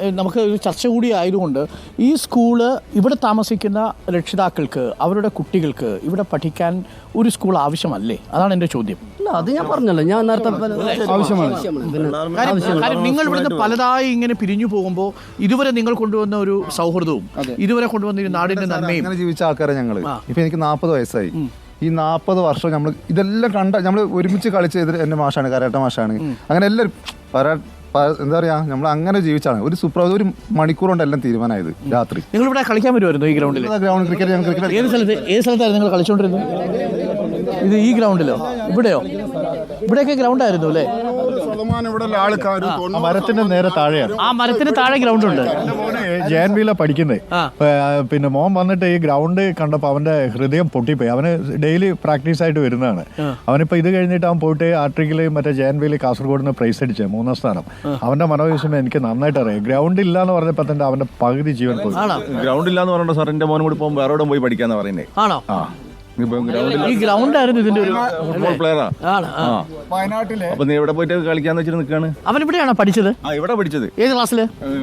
നമുക്ക് ഒരു ചർച്ച കൂടി ആയതുകൊണ്ട് ഈ സ്കൂള് ഇവിടെ താമസിക്കുന്ന രക്ഷിതാക്കൾക്ക് അവരുടെ കുട്ടികൾക്ക് ഇവിടെ പഠിക്കാൻ ഒരു സ്കൂൾ ആവശ്യമല്ലേ? അതാണ് എൻ്റെ ചോദ്യം. അല്ല, അത് ഞാൻ പറഞ്ഞല്ലോ, ഞാൻ നേരത്തെ നിങ്ങൾ ഇവിടുന്ന് പലതായി ഇങ്ങനെ പിരിഞ്ഞു പോകുമ്പോൾ ഇതുവരെ നിങ്ങൾ കൊണ്ടുവന്ന ഒരു സൗഹൃദവും ഇതുവരെ കൊണ്ടുവന്ന ഒരു നാടിന്റെ നന്മയും ജീവിച്ച ആൾക്കാരെ ഞങ്ങൾ. ഇപ്പൊ എനിക്ക് 40 വയസ്സായി. ഈ 40 വർഷം നമ്മൾ ഇതെല്ലാം നമ്മൾ ഒരുമിച്ച് കളിച്ച് എൻ്റെ മാഷാണ്, കരാട്ട മാഷാണ്. അങ്ങനെ എല്ലാവരും എന്താ പറയാ, നമ്മൾ അങ്ങനെ ജീവിച്ചാണ്. ഒരു മണിക്കൂർ കൊണ്ട് എല്ലാം തീരുമാനമായത്. രാത്രി നിങ്ങൾ ഇവിടെ കളിക്കാൻ വരുമായിരുന്നു ഈ ഗ്രൗണ്ടിൽ? ഗ്രൗണ്ട് ക്രിക്കറ്റ് ഏത് സ്ഥലത്തായിരുന്നു നിങ്ങൾ കളിച്ചോണ്ടിരുന്നത്? ഇത് ഈ ഗ്രൗണ്ടിലോ? ഇവിടെയോ? ഇവിടെയൊക്കെ ഗ്രൗണ്ടായിരുന്നു അല്ലേ? മരത്തിന്റെ നേരെ താഴെയാണ്. ആ മരത്തിന് താഴെ ഗ്രൗണ്ട് ഉണ്ട്. ജെ.എൻ.ബിയിലെ പഠിക്കുന്നത്. പിന്നെ മോൻ വന്നിട്ട് ഈ ഗ്രൗണ്ട് കണ്ടപ്പോൾ അവന്റെ ഹൃദയം പൊട്ടിപ്പോയി. അവന് ഡെയിലി പ്രാക്ടീസ് ആയിട്ട് വരുന്നതാണ്. അവനിപ്പോ ഇത് കഴിഞ്ഞിട്ട് അവൻ പോയിട്ട് ആർട്രിക്കിൽ മറ്റേ ജെ.എൻ.ബിയിൽ കാസർഗോഡ് നിന്ന് പ്രൈസ് അടിച്ചത് 3ാം സ്ഥാനം. അവന്റെ മനോവിഷമം എനിക്ക് നന്നായിട്ട് അറിയാം. ഗ്രൗണ്ട് ഇല്ല എന്ന് പറഞ്ഞപ്പോൾ തന്നെ അവന്റെ പകുതി ജീവൻ പോയി. ഗ്രൗണ്ട് ഇല്ലാന്ന് പറഞ്ഞോ സാർ? എന്റെ മോനും കൂടി പോകുമ്പോൾ വേറെ പോയി പഠിക്കാന്ന് പറയുന്നേ. ആണോ? ഈ ഗ്രൗണ്ട് ആയിരുന്നു ഇതിന്റെ ഒരു ഫുട്ബോൾ പ്ലെയറാ. വയനാട്ടിലെ. അപ്പൊ നീ എവിടെ പോയിട്ട് കളിക്കാന്ന് വെച്ചിട്ട് നിൽക്കാണ്? അവൻ ഇവിടെയാണോ പഠിച്ചത്? ഇവിടെ പഠിച്ചത്. ഏത് ക്ലാസ്സില്?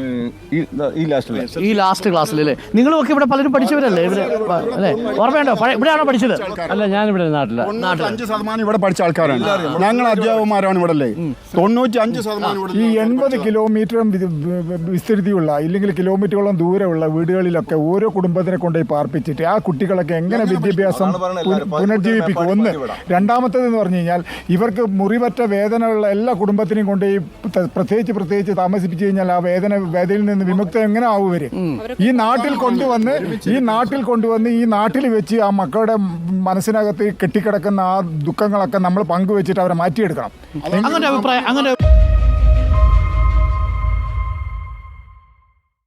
ഈ ലാസ്റ്റ് ക്ലാസ്സിൽ അല്ലേ? നിങ്ങളും ഒക്കെ ഇവിടെ പലരും പഠിച്ചവരല്ലേ ഇവിടെ അല്ലേ? ഓർമ്മയുണ്ടോ? ഇവിടെയാണോ പഠിച്ചത്? അല്ല, ഞാനിവിടെ നാട്ടില് 95% ഇവിടെ പഠിച്ച ആൾക്കാരാണ്. ഞങ്ങൾ അധ്യാപകന്മാരാണ് ഇവിടെ അല്ലേ. 95% ഈ 80 കിലോമീറ്ററും വിസ്തൃതിയുള്ള ഇല്ലെങ്കിൽ കിലോമീറ്ററോളം ദൂരമുള്ള വീടുകളിലൊക്കെ ഓരോ കുടുംബത്തിനെ കൊണ്ടുപോയി പാർപ്പിച്ചിട്ട് ആ കുട്ടികളൊക്കെ എങ്ങനെ വിദ്യാഭ്യാസം പുനർജീവിപ്പിക്കും? ഒന്ന്. രണ്ടാമത്തേതെന്ന് പറഞ്ഞു കഴിഞ്ഞാൽ ഇവർക്ക് മുറിവറ്റ വേദനയുള്ള എല്ലാ കുടുംബത്തിനെയും കൊണ്ടുപോയി പ്രത്യേകിച്ച് താമസിപ്പിച്ചു കഴിഞ്ഞാൽ ആ വേദനയിൽ നിന്ന് വിമുക്ത എങ്ങനെ ആവും ഇവര്? ഈ നാട്ടിൽ കൊണ്ടുവന്ന് ഈ നാട്ടിൽ വെച്ച് ആ മക്കളുടെ മനസ്സിനകത്ത് കെട്ടിക്കിടക്കുന്ന ആ ദുഃഖങ്ങളൊക്കെ നമ്മൾ പങ്കുവെച്ചിട്ട് അവരെ മാറ്റിയെടുക്കണം. അങ്ങനെ